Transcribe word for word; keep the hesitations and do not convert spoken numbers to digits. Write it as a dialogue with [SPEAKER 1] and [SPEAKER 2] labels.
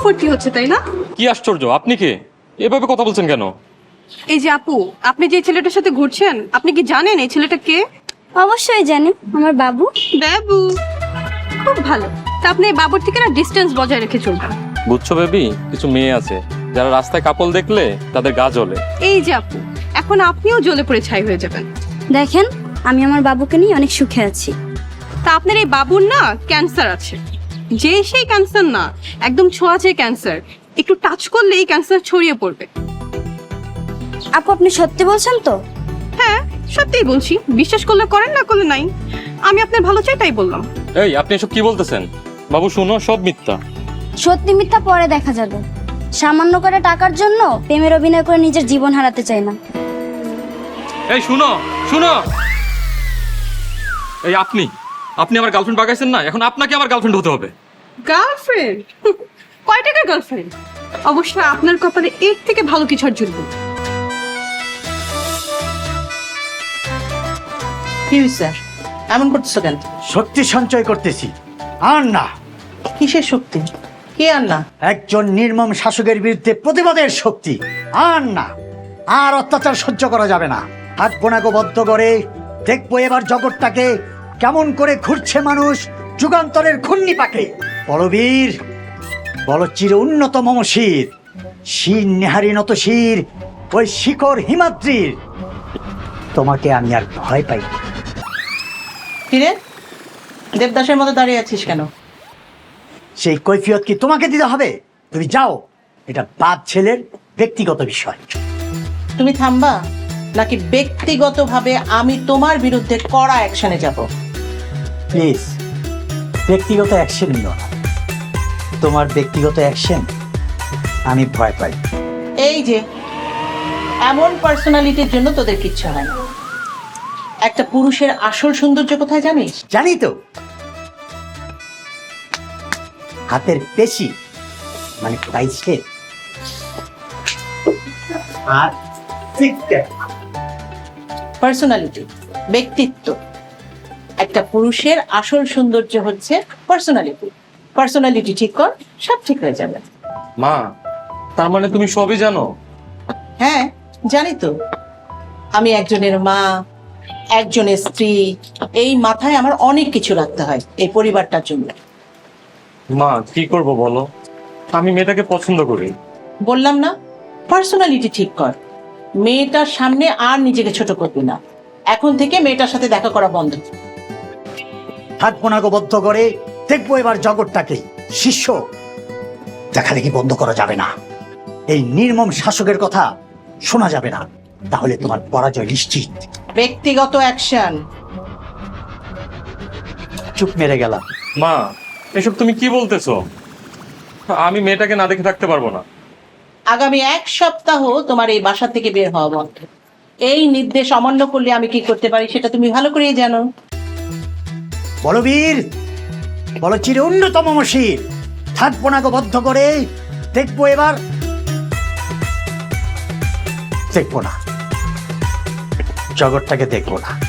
[SPEAKER 1] ফুর্তি হচ্ছে তাই না?
[SPEAKER 2] কি আশ্চর্য, আপনি কে? এভাবে কথা বলছেন কেন?
[SPEAKER 1] এই যে আপু, আপনি যে ছেলেটার সাথে ঘুরছেন, আপনি কি জানেন এই ছেলেটা কে?
[SPEAKER 3] অবশ্যই জানি, আমার বাবু।
[SPEAKER 1] বাবু? খুব ভালো। তা আপনি এই বাবুর থেকে না ডিস্টেন্স বজায় রেখে চলবেন।
[SPEAKER 2] বুঝছো বেবি, কিছু মেয়ে আছে যারা রাস্তায় কাপল দেখলে তাদের গা জ্বলে।
[SPEAKER 1] এই যে আপু, এখন আপনিও জ্বলে পড়ে ছাই হয়ে যাবেন।
[SPEAKER 3] দেখেন, আমি আমার বাবুকে নিয়ে অনেক সুখে আছি।
[SPEAKER 1] তা আপনার এই বাবুর না ক্যান্সার আছে। যে সেই ক্যান্সার না, একদম ছোঁয়াচে ক্যান্সার। একটু টাচ করলেই ক্যান্সার ছড়িয়ে পড়বে।
[SPEAKER 3] আপু, আপনি সত্যি বলছেন তো?
[SPEAKER 1] হ্যাঁ, সত্যিই বলছি। বিশ্বাস করলে করেন, না করলে নাই। আমি আপনার ভালো চাই তাই বললাম।
[SPEAKER 2] এই, আপনি এসব কি বলতেছেন? বাবু শুনো, সব মিথ্যা।
[SPEAKER 3] সত্যি মিথ্যা পরে দেখা যাবে। সামান্য করে টাকার জন্য প্রেমের অভিনয় করে নিজের জীবন হারাতে চাই না।
[SPEAKER 2] এই শুনো, শুনো। এই আপনি আপনি আমার গার্লফ্রেন্ড বাগাইছেন না, এখন আপনাকে আমার গার্লফ্রেন্ড হতে হবে।
[SPEAKER 1] গার্লফ্রেন্ড? কয় টাকার গার্লফ্রেন্ড? অবশ্য আপনার কপালে এর থেকে ভালো কিছু আর জুটবে।
[SPEAKER 4] কি হয়েছে? এমন করতেছো কেন?
[SPEAKER 5] শক্তি সঞ্চয় করতেছি। আর না,
[SPEAKER 4] কিসের শক্তি? কি আর না?
[SPEAKER 5] একজন নির্মম শাসকের বিরুদ্ধে প্রতিবাদের শক্তি। আর না, আর অত্যাচার সহ্য করা যাবে না। হাত বোনাকে বদ্ধ করে দেখবো এবার জগৎটাকে কেমন করে ঘুরছে মানুষ যুগান্তরের ঘূর্ণি পাকে। বলবীর, বল চির উন্নত মম শির, শির নেহারি নত শির, ওই শিখর হিমাদ্রির। তোমাকে আমি আর ভয় পাই না।
[SPEAKER 4] কিরে, দেবদাসের মতো দাঁড়িয়ে আছিস কেন?
[SPEAKER 5] সেই কৈফিয়ত কি তোমাকে দিতে হবে? তুমি যাও, এটা বাপ ছেলের ব্যক্তিগত বিষয়।
[SPEAKER 4] তুমি থামবা নাকি ব্যক্তিগতভাবে আমি তোমার বিরুদ্ধে কড়া অ্যাকশনে যাব?
[SPEAKER 5] প্লিজ, ব্যক্তিগত অ্যাকশন নিও না। তোমার ব্যক্তিগত অ্যাকশন আমি ভয় পাই।
[SPEAKER 4] এই যে এমন পার্সোনালিটির জন্য তোদের কিচ্ছু হয় না। একটা পুরুষের আসল সৌন্দর্য কোথায় জানিস?
[SPEAKER 5] জানি তো, হাতের পেশি মানে পাইছে আর
[SPEAKER 4] পার্সোনালিটি, ব্যক্তিত্ব। একটা পুরুষের আসল সৌন্দর্য হচ্ছে পার্সোনালিটি। পার্সোনালিটি ঠিক কর, সব ঠিক হয়ে যাবে।
[SPEAKER 2] মা, তার মানে তুমি সবই জানো?
[SPEAKER 4] হ্যাঁ, জানি তো। আমি একজনের মা, একজনের স্ত্রী, এই মাথায় আমার অনেক কিছু রাখতে হয় এই পরিবারটার জন্য।
[SPEAKER 2] মা, কি করব বলো? আমি মেয়েটাকে পছন্দ করি।
[SPEAKER 4] বললাম না, পার্সোনালিটি ঠিক কর। মেয়েটার সামনে আর নিজেকে ছোট করবি না। এখন থেকে মেয়েটার সাথে দেখা করা বন্ধ।
[SPEAKER 5] হাত বোনাকে বদ্ধ করে দেখবো এবার জগৎটাকে। শিষ্য দেখালেখি বন্ধ করা যাবে না। এই নির্মম শাসকের কথা শোনা যাবে না, তাহলে তোমার পরাজয় নিশ্চিত।
[SPEAKER 4] ব্যক্তিগত অ্যাকশন।
[SPEAKER 5] চুপ মেরে গেলাম।
[SPEAKER 2] মা, এসব তুমি কি বলতেছো? আমি মেয়েটাকে না দেখে থাকতে পারবো না।
[SPEAKER 4] আগামী এক সপ্তাহ তোমার এই বাসা থেকে বের হওয়া বন্ধ। এই নির্দেশ অমান্য করলে আমি কি করতে পারি সেটা তুমি ভালো করেই জানো।
[SPEAKER 5] বলবীর, বল চির উন্নতম মশির, হাত বোনাকে বদ্ধ করে দেখবো এবার। দেখবো না, জগৎটাকে দেখবো না।